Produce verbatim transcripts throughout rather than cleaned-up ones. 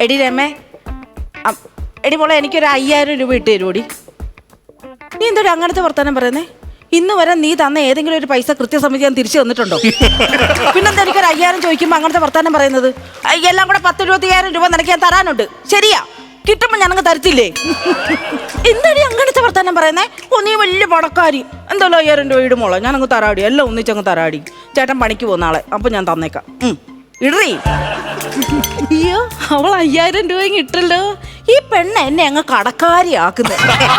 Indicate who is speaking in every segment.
Speaker 1: എടി രമേ, എടി മോളെ എനിക്കൊരു അയ്യായിരം രൂപ ഇട്ട് തരുമോടി? നീ എന്തൊരു അങ്ങനത്തെ വർത്താനം പറയുന്നേ? ഇന്ന് വരെ നീ തന്ന ഏതെങ്കിലും ഒരു പൈസ കൃത്യസമിതി ഞാൻ തിരിച്ചു തന്നിട്ടുണ്ടോ? പിന്നെന്താ എനിക്കൊരു അയ്യായിരം ചോദിക്കുമ്പോൾ അങ്ങനത്തെ വർത്താനം പറയുന്നത്? എല്ലാം കൂടെ പത്ത് ഇരുപത്തിയായിരം രൂപ നിനക്ക് ഞാൻ തരാനുണ്ട്. ശരിയാ, കിട്ടുമ്പോൾ ഞങ്ങൾക്ക് തരത്തില്ലേ? എന്താടി അങ്ങനത്തെ വർത്താനം പറയുന്നേ? ഓ നീ വലിയ പണക്കാരി, എന്തായാലും അയ്യായിരം രൂപ ഇടുമോളോ, ഞാനങ്ങ് തരാടി, എല്ലാം ഒന്നിച്ചങ്ങ് തരാടി. ചേട്ടൻ പണിക്ക് പോകുന്ന ആളെ, അപ്പൊ ഞാൻ തന്നേക്കാം. ഇടറി. അയ്യോ, അവൾ അയ്യായിരം രൂപ ഇട്ടല്ലോ. ഈ പെണ്ണ് എന്നെ അങ്ങ് കടക്കാരിയാക്കുന്നത്.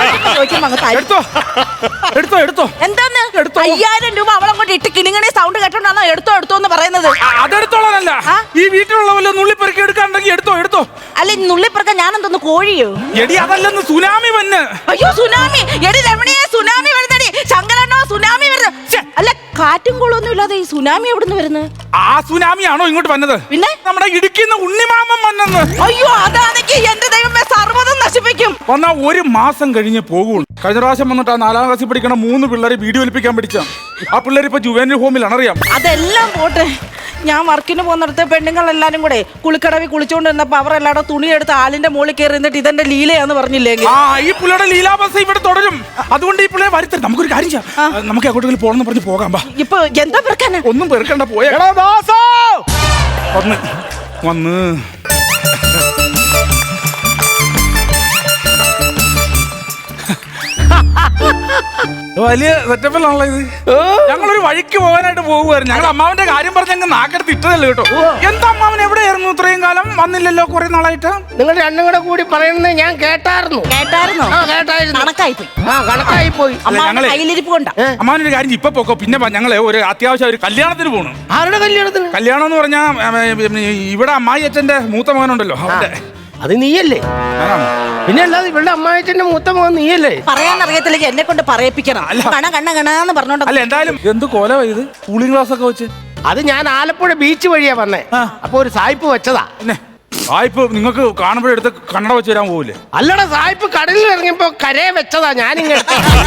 Speaker 1: എന്താന്ന് അയ്യായിരം രൂപ അവളങ്ങോട്ട് ഇട്ട് കിണിങ്ങണി സൗണ്ട് കേട്ടോണ്ടാണോ എടുത്തോ എടുത്തോ എന്ന് പറയുന്നത്?
Speaker 2: അതെടുത്തോളാനല്ല, ഈ വീട്ടിലുള്ള വല്ല നുള്ളിപ്പെറുക്കി എടുക്കാണ്ടെങ്കിൽ എടുത്തോ എടുത്തോ.
Speaker 1: അല്ല നുള്ളിപ്പെറുക്ക ഞാൻ എന്തോന്ന് കോഴിയോ?
Speaker 2: എടി അതല്ലെന്ന് സുനാമി വന്ന്.
Speaker 1: അയ്യോ സുനാമി, എടി രമണിയെ സുനാമി വരുന്നടി. ശങ്കരണ്ണോ സുനാമി വരുന്നത്? അല്ല കാറ്റും കോളൊന്നും ഇല്ലാതെ ഈ സുനാമി എവിടുന്ന് വരുന്നത്?
Speaker 2: ആ സുനാമിയാണോ ഇങ്ങോട്ട് വന്നത്?
Speaker 1: പിന്നെ
Speaker 2: നമ്മുടെ ഇടുക്കിന്ന് ഉണ്ണിമാമൻ വന്നെന്ന്.
Speaker 1: അയ്യോ അതാണെങ്കിൽ എന്റെ ദൈവമേ സർവ്വതും നശിപ്പിക്കും.
Speaker 2: വന്നാ ഒരു മാസം കഴിഞ്ഞ് പോകുള്ളൂ. കഴിഞ്ഞ പ്രാവശ്യം വന്നിട്ട് ആ നാലാം ക്ലാസ്സിൽ പഠിക്കണ മൂന്ന് പിള്ളേരെ വീഡിയോ ഒലിപ്പിക്കാൻ പഠിച്ച ആ പിള്ളേർ ഇപ്പൊ ജുവേനൽ ഹോമിലാണ്, അറിയാം.
Speaker 1: അതെല്ലാം പോട്ടെ, ഞാൻ വർക്കിന് പോകുന്നിടത്ത് പെണ്ണുങ്ങൾ എല്ലാരും കൂടെ കുളിക്കടവിൽ കുളിച്ചോണ്ട് നിന്നപ്പോ അവർ എല്ലാവരും തുണിയെടുത്ത് ആലിന്റെ മുകളിൽ കയറി നിന്നിട്ട് ഇതെന്റെ ലീലയാന്ന് പറഞ്ഞില്ലെങ്കിൽ
Speaker 2: ആ ഈ പുള്ളിയുടെ ലീലാബസ് ഇവിടെ തുടരും. അതുകൊണ്ട് ഈ പിള്ളേരെ വരുത്തരുത്. നമുക്കൊരു കാര്യം ചെയ്യാം, നമുക്ക് എങ്ങോട്ടെങ്കിലും പോകണമെന്ന് പറഞ്ഞ് പോകാം.
Speaker 1: ഇപ്പൊ എന്താ പെറുക്കാനാ?
Speaker 2: ഒന്നും പെറുക്കണ്ട, പോയ വന്ന് വന്ന് വലിയ സെറ്റപ്പിലാണല്ലോ ഇത്. ഞങ്ങളൊരു വഴിക്ക് പോകാനായിട്ട് പോകുമായിരുന്നു. ഞങ്ങൾ അമ്മാവന്റെ കാര്യം പറഞ്ഞ് ഞങ്ങൾ നാക്കെടുത്ത് ഇട്ടതല്ലേ കേട്ടോ. എന്താ അമ്മാവൻ എവിടെയായിരുന്നു ഇത്രയും കാലം? വന്നില്ലല്ലോ കുറെ നാളായിട്ട്.
Speaker 3: നിങ്ങൾ രണ്ടും കൂടെ കൂടി പറയുന്നത് ഞാൻ കേട്ടായിരുന്നു.
Speaker 1: കേട്ടായിരുന്നോ?
Speaker 3: ആ കേട്ടായിരുന്നു.
Speaker 1: കണക്കായി പോയി.
Speaker 3: ആ കണക്കായി പോയി.
Speaker 2: ഞങ്ങളെ
Speaker 1: കയ്യിലിരിപ്പ് കൊണ്ടാ.
Speaker 2: അമ്മാവനൊരു കാര്യം ഇപ്പൊ പോക്കോ, പിന്നെ ഞങ്ങള് ഒരു അത്യാവശ്യം ഒരു കല്യാണത്തിന് പോകണം.
Speaker 3: ആരുടെ കല്യാണത്തിന്?
Speaker 2: കല്യാണം എന്ന് പറഞ്ഞാ ഇവിടെ അമ്മായി അച്ഛന്റെ മൂത്ത മകനുണ്ടല്ലോ അവന്റെ.
Speaker 3: അത് നീയല്ലേ? പിന്നെ അല്ലാതെ ഇവിടെ അമ്മായിച്ചന്റെ മൂത്ത മകൻ നീയല്ലേ?
Speaker 1: പറയാനറിയത്തില്ലെങ്കിൽ എന്നെ കൊണ്ട് പറയിപ്പിക്കണം. കണ കണ്ണ കണാന്ന് പറഞ്ഞോണ്ട്.
Speaker 2: അല്ല എന്തായാലും എന്ത് കോല ഇത്, കൂളിംഗ് ഗ്ലാസ് ഒക്കെ വെച്ച്.
Speaker 3: അത് ഞാൻ ആലപ്പുഴ ബീച്ച് വഴിയാ വന്നേ. അപ്പൊ ഒരു സായിപ്പ് വെച്ചതാ.
Speaker 2: പിന്നെ സായിപ്പ് നിങ്ങൾക്ക് കാണുമ്പോഴെടുത്ത് കണ്ണട വെച്ച് തരാൻ പോവില്ലേ?
Speaker 3: അല്ലടാ, സായിപ്പ് കടലിൽ ഇറങ്ങിയപ്പോ കരയെ വെച്ചതാ. ഞാനിങ്ങനെ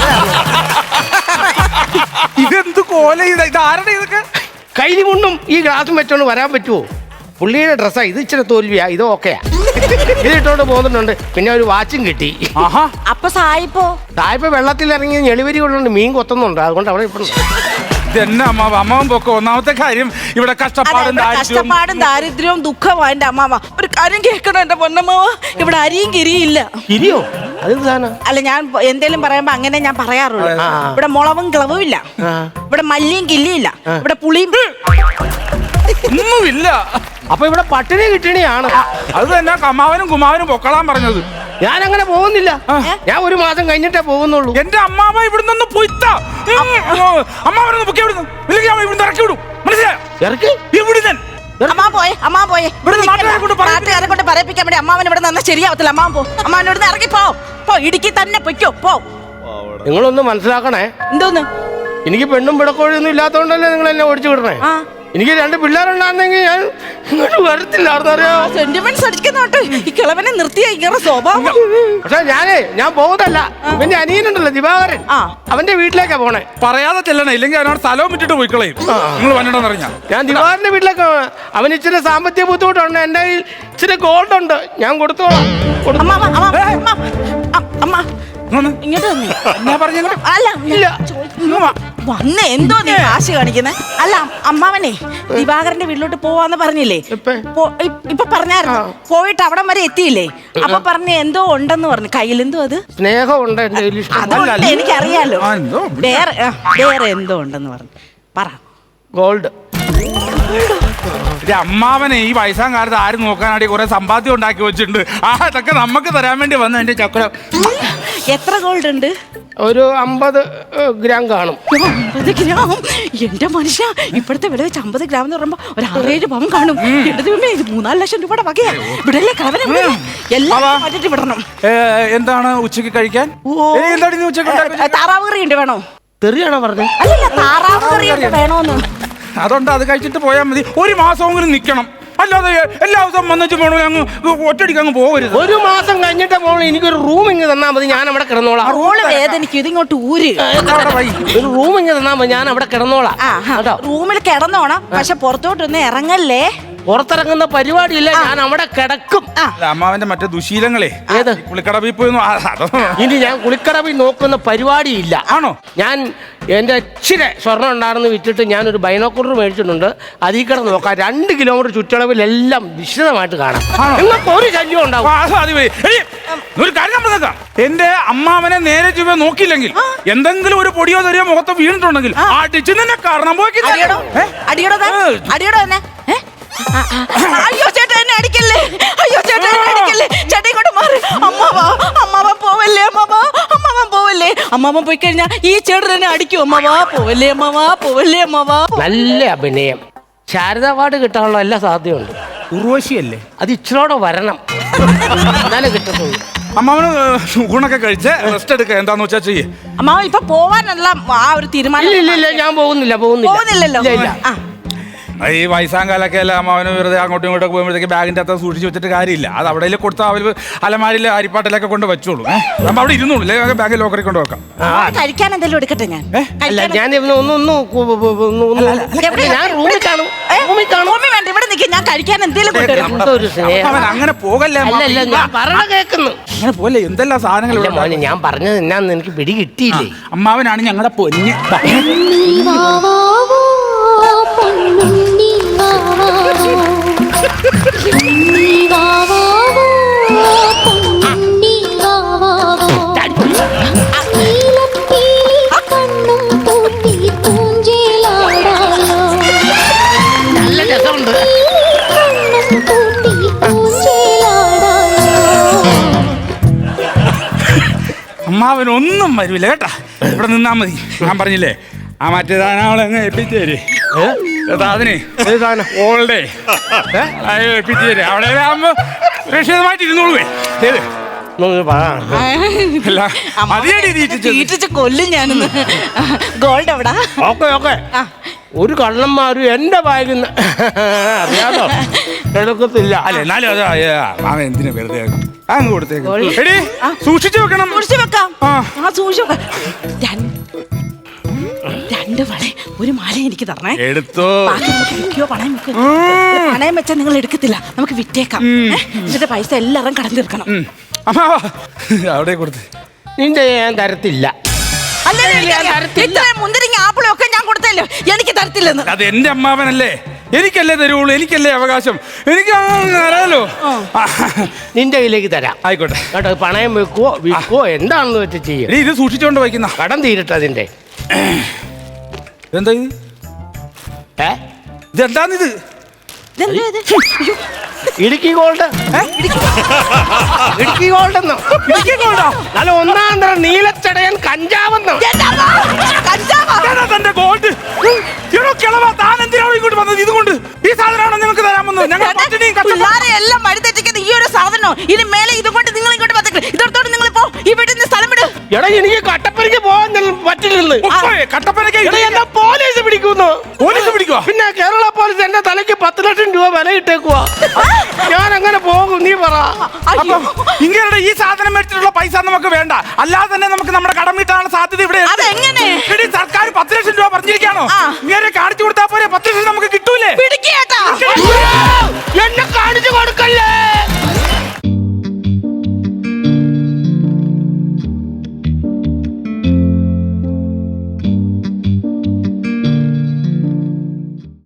Speaker 2: ഇതെന്ത് കോല ഇത്, ഇത് ആരുടെ ഇതൊക്കെ?
Speaker 3: കൈലി കൊണ്ടും ഈ ഗ്ലാസും വെച്ചോണ്ട് വരാൻ പറ്റുമോ? പുള്ളിയുടെ ഡ്രസ്സാ ഇത്. ഇച്ചിരി തോൽവിയാ, ഇത് ഓക്കെയാ. ഇതിട്ടോണ്ട് പോകുന്നുണ്ട്. പിന്നെ ഒരു വാച്ചും കിട്ടി.
Speaker 1: അപ്പൊ സായിപ്പോ?
Speaker 3: സായിപ്പ് വെള്ളത്തിൽ ഇറങ്ങി ഞെളിവരി കൊണ്ടുണ്ട് മീൻ കൊത്തുന്നുണ്ട്. അതുകൊണ്ട് അവിടെ ഇപ്പൊ
Speaker 2: ഇതെന്നെ അമ്മാവ, അമ്മാവൻ പൊക്കോ. ഒന്നാമത്തെ കാര്യം ഇവിടെ കഷ്ടപ്പാടും
Speaker 1: കഷ്ടപ്പാടും ദാരിദ്ര്യവും ദുഃഖവും എന്റെ അമ്മാവ. ഒരു കാര്യം കേൾക്കണം എന്റെ പൊന്നമ്മാവ, ഇവിടെ അരിയും കിരിയില്ല.
Speaker 3: കിരിയോ? അത്
Speaker 1: അല്ല, ഞാൻ എന്തേലും പറയുമ്പോ അങ്ങനെ ഞാൻ പറയാറുള്ളൂ. ഇവിടെ മുളവും കിളവും ഇല്ല, ഇവിടെ മല്ലിയും കില്ലിയില്ല, ഇവിടെ പുളിയും
Speaker 2: ഒന്നുമില്ല.
Speaker 3: അപ്പൊ ഇവിടെ പട്ടിണി കിട്ടണിയാണ്.
Speaker 2: അത് തന്നെ അമ്മാവനും കുമാവനും പൊക്കളാൻ പറഞ്ഞത്.
Speaker 3: ഞാൻ അങ്ങനെ പോകുന്നില്ല. ഞാൻ ഒരു മാസം കഴിഞ്ഞിട്ടേ പോകുന്നുള്ളൂ.
Speaker 2: എന്റെ അമ്മാവ ഇവിടുന്ന് പൊയ്ത്ത അമ്മാവനൊന്ന് പൊക്കി ഇവിടുന്ന് ഇവിടുന്ന് ഇറക്കി വിടും. മനസ്സിലായോ?
Speaker 3: ഇറക്കി
Speaker 2: ഇവിടുന്ന്
Speaker 1: അമ്മാ പോയെ അമ്മാ പോയെ നാട്ടുകാരെ കൊണ്ട് പറയിപ്പിക്കാൻ വേണ്ടി അമ്മാവൻ ഇവിടെ നിന്ന് ശരിയാവത്തില്ല. അമ്മാവൻ പോ, അമ്മാവൻ ഇവിടുന്ന് ഇറങ്ങി പോ. പോ, ഇടുക്കി തന്നെ പൊയ്ക്കോ, പോ.
Speaker 3: നിങ്ങളൊന്ന് മനസ്സിലാക്കണേ.
Speaker 1: എന്തോന്ന്?
Speaker 3: എനിക്ക് പെണ്ണും പിടക്കോഴൊന്നും ഇല്ലാത്തോണ്ടല്ലേ നിങ്ങൾ എന്നെ ഓടിച്ചു വിടണേ. എനിക്ക് രണ്ട് പിള്ളേരുണ്ടായിരുന്നെങ്കിൽ ഞാൻ ഇങ്ങോട്ട് വരത്തില്ലാർന്നറിയോ.
Speaker 1: സെന്റിമെന്റ്സ് അടിക്കുന്നോട്ട് ഈ കിളവനെ നിർത്തിയ ഇങ്ങനെ സ്വഭാവം.
Speaker 3: പക്ഷെ ഞാനേ ഞാൻ പോകുന്നല്ല. എന്റെ അനിയനുണ്ടല്ലോ ദിവാകരൻ, അവന്റെ വീട്ടിലേക്കാ പോണേ.
Speaker 2: പറയാതെ ചെല്ലണേ, ഇല്ലെങ്കിൽ അവനോട് സ്ഥലവും വിട്ടിട്ട് പോയിക്കളയും. നിങ്ങൾ വന്നിട്ടെന്നറിഞ്ഞാ ഞാൻ
Speaker 3: ദിവാകരന്റെ വീട്ടിലേക്ക്. അവന് ഇച്ചിരി സാമ്പത്തിക ബുദ്ധിമുട്ടുണ്ട്. എന്റെ കയ്യിൽ ഇച്ചിരി ഗോൾഡ് ഉണ്ട്, ഞാൻ കൊടുത്തോളാം.
Speaker 1: ഇങ്ങോട്ട്
Speaker 3: അല്ല
Speaker 1: വന്ന് എന്തോ നീ കാശ് കാണിക്കുന്നേ? അല്ല അമ്മാവനെ ദിവാകരന്റെ വീട്ടിലോട്ട് പോവാന്ന് പറഞ്ഞില്ലേ? ഇപ്പൊ പറഞ്ഞായിരുന്നു. പോയിട്ട് അവിടം വരെ എത്തിയില്ലേ? അപ്പൊ പറഞ്ഞ എന്തോ ഉണ്ടെന്ന് പറഞ്ഞു. കയ്യിൽ എന്തോ അത്
Speaker 3: സ്നേഹമുണ്ട്.
Speaker 1: അതുകൊണ്ട് എനിക്കറിയാലോ. വേറെ വേറെ എന്തോ ഉണ്ടെന്ന് പറഞ്ഞു. പറ.
Speaker 3: ഗോൾഡ്.
Speaker 2: അമ്മാവനെ ഈ വയസ്സാം കാലത്ത് ആരും നോക്കാനാടി കുറെ സമ്പാദ്യം ഉണ്ടാക്കി വെച്ചിട്ടുണ്ട്. ആ അതൊക്കെ നമുക്ക് തരാൻ വേണ്ടി വന്ന എന്റെ ചക്രം.
Speaker 1: എത്ര ഗോൾഡ് ഉണ്ട്?
Speaker 3: ഒരു അമ്പത് ഗ്രാം കാണും.
Speaker 1: അമ്പത് ഗ്രാം? എന്റെ മനുഷ്യ, ഇപ്പോഴത്തെ വില വെച്ച് അമ്പത് ഗ്രാം എന്ന് പറയുമ്പോ ഒരു ആറേഴ് പവൻ കാണും. ഇത് മൂന്നാല് ലക്ഷം രൂപയുടെ വകയാ. ഇവിടെയല്ലേ കളവനെ എല്ലാം മാറ്റിട്ട് വിടണം.
Speaker 2: എന്താണ് ഉച്ചക്ക് കഴിക്കാൻ? എന്താണ് ഉച്ചക്ക്?
Speaker 1: താറാവ് കറി ഉണ്ട്, വേണോ?
Speaker 3: തെറിയാണോ പറഞ്ഞത്?
Speaker 1: അല്ലല്ല, താറാവ് കറി ഉണ്ട്, വേണോന്ന്.
Speaker 2: അതുകൊണ്ട് അത് കഴിച്ചിട്ട് പോയാൽ മതി. ഒരു മാസമെങ്കിലും നിൽക്കണം. അല്ലാതെ എല്ലാ ദിവസവും വന്നിട്ട് പോകണോ? അങ്ങ് ഒറ്റടിക്ക് അങ്ങ് പോകരുത്.
Speaker 3: ഒരു മാസം കഴിഞ്ഞിട്ട് പോകണം. എനിക്കൊരു റൂം ഇങ്ങ് തന്നാൽ മതി, ഞാൻ അവിടെ കിടന്നോളാം.
Speaker 1: റോള് വേദനിക്കും, ഇതിങ്ങോട്ട് ഊര്.
Speaker 3: ഒരു റൂം ഇങ്ങ് തന്നാൽ മതി, ഞാൻ അവിടെ കിടന്നോളാം.
Speaker 1: റൂമിൽ കിടന്നോണം, പക്ഷെ പുറത്തോട്ടൊന്നും ഇറങ്ങല്ലേ.
Speaker 3: പുറത്തിറങ്ങുന്ന പരിപാടിയില്ല, ഞാൻ അവിടെ കിടക്കും.
Speaker 2: അല്ല, അമ്മാവന്റെ മറ്റേ ദുശീലങ്ങളെ
Speaker 3: ഏത്?
Speaker 2: പുള്ളിക്കടവിൽ പോയി ഒന്ന് ആ- അതോ
Speaker 3: ഇനി ഞാൻ കുളിക്കടവിൽ നോക്കുന്ന പരിപാടിയില്ല.
Speaker 2: ആണോ?
Speaker 3: ഞാൻ എൻ്റെ ഇച്ചിരി സ്വർണ്ണം ഉണ്ടായിരുന്നു വിറ്റിട്ട് ഞാനൊരു ബൈനോക്കുലർ മേടിച്ചിട്ടുണ്ട്. അതിൽ കിടന്ന് നോക്കാം, രണ്ട് കിലോമീറ്റർ ചുറ്റളവിലെല്ലാം വിശദമായിട്ട് കാണാം.
Speaker 2: ആണോ?
Speaker 3: നിങ്ങൾക്ക് ഒരു ശല്യം ഉണ്ടാവും.
Speaker 2: ആ, അത് മതി, മതി. എടി, ഒരു കാര്യം ഞാൻ പറഞ്ഞേക്കാം. എന്റെ അമ്മാവനെ നേരെ ചുവ നോക്കിയില്ലെങ്കിൽ എന്തെങ്കിലും ഒരു പൊടിയോ തെറിയോ മുഖത്ത് വീണിട്ടുണ്ടെങ്കിൽ അടിച്ചു നിന്നെ കാരണം പോക്കി
Speaker 1: അടിയടോ അടിയടോ താൻ. അടിയടോ എന്നെ ഏ? ആ, ആ. അയ്യോ ചേട്ടാ എന്നെ അടിക്കല്ലേ, അയ്യോ ചേട്ടാ എന്നെ അടിക്കല്ലേ, ചേട്ടാ ഇങ്ങോട്ട് മാറി. അമ്മാവാ അമ്മാവൻ പോവല്ലേ, അമ്മാവാ അമ്മാവൻ പോവല്ലേ. അമ്മാവൻ പോയി കഴിഞ്ഞാൽ ഈ ചേട്ടൻ എന്നെ അടിക്കും. അമ്മാവാ പോവല്ലേ, അമ്മാവാ പോവല്ലേ, അമ്മാവാ.
Speaker 3: നല്ല അഭിനയം, ശാരദ അവാർഡ് കിട്ടാനുള്ള എല്ലാ സാധ്യതയുണ്ട്.
Speaker 2: ഉർവശിയല്ലേ?
Speaker 3: അത് ഇച്ചിരോടെ വരണം, എന്നാലേ കിട്ടത്തുള്ളൂ.
Speaker 2: അമ്മാവന് ഊണൊക്കെ കഴിച്ച് റെസ്റ്റ് എടുക്കുക, എന്താന്ന് വെച്ചാ ചെയ്യേ.
Speaker 1: അമ്മാവൻ ഇപ്പൊ പോവാനുള്ള ആ ഒരു തീരുമാനം
Speaker 3: ഇല്ല ഇല്ല ഇല്ല, ഞാൻ പോകുന്നില്ല പോകുന്നില്ല
Speaker 1: പോകുന്നില്ലല്ലോ.
Speaker 3: ഇല്ല, ഇല്ല.
Speaker 1: ആ.
Speaker 2: ഈ വയസ്സാങ്കാലൊക്കെ അല്ല അമ്മാവന് വെറുതെ അങ്ങോട്ടും ഇങ്ങോട്ടൊക്കെ പോകുമ്പോഴത്തേക്ക് ബാഗിന്റെ അകത്ത് സൂക്ഷിച്ച് വെച്ചിട്ട് കാര്യമില്ല. അത് അവിടെ കൊടുത്ത അവർ അലമാരിയിൽ അരിപ്പാട്ടിലൊക്കെ കൊണ്ട് വെച്ചോളൂ. നമ്മൾ അവിടെ ഇരുന്നോളൂ, അല്ലെങ്കിൽ ബാഗ് ലോക്കറിൽ കൊണ്ട് വെക്കാം.
Speaker 1: അവന് കഴിക്കാൻ എന്തെങ്കിലും എടുക്കട്ടെ ഞാൻ.
Speaker 3: അല്ല,
Speaker 1: കഴിക്കാൻ-
Speaker 3: ഞാൻ ഇവന് ഒന്ന് ഒന്ന് കു- കു- കു- ഒന്ന് ഒന്ന്
Speaker 1: എവിടെ?
Speaker 3: ഞാൻ റൂമിൽ കാണും,
Speaker 1: ഏ?
Speaker 3: റൂമിൽ കാണും.
Speaker 1: റൂമിൽ വേണ്ട, ഇവിടെ നിൽക്കും, ഞാൻ കഴിക്കാൻ എന്തെങ്കിലും കൊണ്ടുവരാം.
Speaker 3: എന്തൊരു സ്നേഹം.
Speaker 2: അവൻ അങ്ങനെ പോകല്ലേ
Speaker 3: അല്ല അല്ല, ഞാൻ പറഞ്ഞ കേൾക്കുന്നു.
Speaker 2: അങ്ങനെ പോലെ എന്തെല്ലാം സാധനങ്ങൾ
Speaker 3: അല്ല
Speaker 2: ഇവിടെ
Speaker 3: മോനെ, ഞാൻ പറഞ്ഞത് എന്നാന്ന് എനിക്ക് പിടി കിട്ടിയില്ലേ.
Speaker 2: അമ്മാവനാണ് ഞങ്ങളുടെ പൊന്ന്.
Speaker 3: നല്ല രസമുണ്ട്.
Speaker 2: അമ്മാവനൊന്നും വരൂല കേട്ടാ, ഇവിടെ നിന്നാ മതി. ഞാൻ പറഞ്ഞില്ലേ ആ മറ്റേ സാധനങ്ങളെ എത്തിച്ചേര് അതിനെ ഓൾഡേ എത്തിച്ചേര് അവിടെ ആകുമ്പോ സുരക്ഷിതമായിട്ട് ഇരുന്നോളൂ. ശരി
Speaker 3: ഒന്ന് പറ.
Speaker 2: അല്ല, മതിയടി തീറ്റിച്ചത്.
Speaker 1: തീറ്റിച്ച് കൊല്ലും ഞാനിന്ന്. ഗോൾഡ് എവിടാ?
Speaker 3: Okay okay.
Speaker 1: ആ.
Speaker 3: ഒരു കള്ളന്മാരും എന്റെ ബാഗിൽ നിന്ന് അറിയാതോ എടുക്കത്തില്ല.
Speaker 2: അല്ല എന്നാലും അത് മാമ എന്തിനാ വെറുതെ അങ്ങ് കൊടുത്തേക്ക്. എടി സൂക്ഷിച്ചു വെക്കണം.
Speaker 1: സൂക്ഷിച്ചു വെക്കാം.
Speaker 2: ആ.
Speaker 1: ആ സൂക്ഷിച്ചു വെക്കാം. രണ്ട് രണ്ട് വള ഒരു മാല എനിക്ക് തരണേ.
Speaker 2: എടുത്തോ.
Speaker 1: ബാക്കി നമുക്ക് വിൽക്കുകയോ പണയം വെക്കുകയോ. പണയം വെച്ചാൽ നിങ്ങൾ എടുക്കത്തില്ല, നമുക്ക് വിറ്റേക്കാം. ഏ? എന്നിട്ട് പൈസ എല്ലാവരും കടം തീർക്കണം.
Speaker 2: അമ്മാവാ അവിടെ കൊടുത്ത്.
Speaker 3: നിന്റെ ഞാൻ തരത്തില്ല.
Speaker 1: അല്ലേ ഇത്രയും മുന്തിരിങ്ങ ആപ്പിളും ഒക്കെ ഞാൻ കൊടുത്തല്ലോ, എനിക്ക് തരത്തില്ലെന്ന്.
Speaker 2: അത് എന്റെ അമ്മാവനല്ലേ, എനിക്കല്ലേ തരുള്ളൂ, എനിക്കല്ലേ അവകാശം, എനിക്ക് അറിയാലോ.
Speaker 3: നിന്റെ കയ്യിലേക്ക് തരാം.
Speaker 2: ആയിക്കോട്ടെ
Speaker 3: കേട്ടോ, പണയം വെക്കുവോ വിൽക്കുവോ എന്താണെന്ന് വെച്ച് ചെയ്യും.
Speaker 2: എടി ഇത് സൂക്ഷിച്ചോണ്ട് വയ്ക്കുന്ന
Speaker 3: കടം തീരട്ടെ അതിന്റെ.
Speaker 2: എന്താ ഇത്?
Speaker 3: ഏ
Speaker 2: ഇതെന്താന്നിത്?
Speaker 1: ഇതെന്താ ഇത്? അയ്യോ.
Speaker 3: ഇടുക്കി ഗോൾഡ്. ഇടുക്കി ഗോൾഡ് എന്നോ?
Speaker 2: ഇടുക്കി ഗോൾഡോ?
Speaker 3: നല്ല ഒന്നാം തരം നീലച്ചടയൻ കഞ്ചാവെന്നോ?
Speaker 1: എന്റെ അമ്മ, കഞ്ചാവാ.
Speaker 2: ഇതാണോ തന്റെ ഗോൾഡ്? എടോ കിളവാ, താൻ എന്തിനാണ് ഇങ്ങോട്ട് വന്നത്? ഇതുകൊണ്ട് ഈ സാധനമാണോ നിങ്ങൾക്ക് തരാൻ വന്നത്? ഞങ്ങൾ പട്ടിണിയും കഷ്ടപ്പാടും.
Speaker 1: പിള്ളാരെ എല്ലാം വഴിതെറ്റിക്കുന്ന ഈ ഒരു സാധനം ഇനി മേലെ ഇതുകൊണ്ട് നിങ്ങൾ ഇങ്ങോട്ട് വന്നേക്ക്. ഇതോടത്തോട് നിങ്ങൾ പോ, ഈ വീട്ടിൽ നിന്ന് സ്ഥലം വിട്.
Speaker 3: എടാ, എനിക്ക് കട്ടപ്പനയ്ക്ക് പോകാൻ പറ്റില്ലെന്ന്.
Speaker 2: ഉപ്പേ, കട്ടപ്പനയ്ക്ക്
Speaker 3: എടാ, എന്നെ പോലീസ് പിടിക്കുന്നു.
Speaker 2: പോലീസ് പിടിക്കുവാ?
Speaker 3: പിന്നെ കേരള പോലീസ് എന്റെ തലയ്ക്ക് പത്ത് ലക്ഷം രൂപ വില ഇട്ടേക്കുവാ. ഞാൻ എങ്ങനെ പോകും നീ പറ.
Speaker 1: അയ്യോ.
Speaker 2: ഇങ്ങനെ ഈ സാധനം മേടിച്ചിട്ടുള്ള പൈസ നമുക്ക് വേണ്ട, അല്ലാതെ തന്നെ നമുക്ക് നമ്മുടെ കടം വീട്ടാനുള്ള സാധ്യത ഇവിടെ ഉണ്ട്.
Speaker 1: അതെങ്ങനെ?
Speaker 2: എടി, സർക്കാർ പത്ത് ലക്ഷം രൂപ പറഞ്ഞിരിക്കാണോ?
Speaker 1: ആ.
Speaker 2: ഇങ്ങനെ കാണിച്ചു കൊടുത്താൽ പോരെ, പത്ത് ലക്ഷം നമുക്ക് കിട്ടൂലേ?
Speaker 1: പിടിക്കേട്ടാ.
Speaker 3: എന്നെ കാണിച്ചു കൊടുക്കല്ലേ.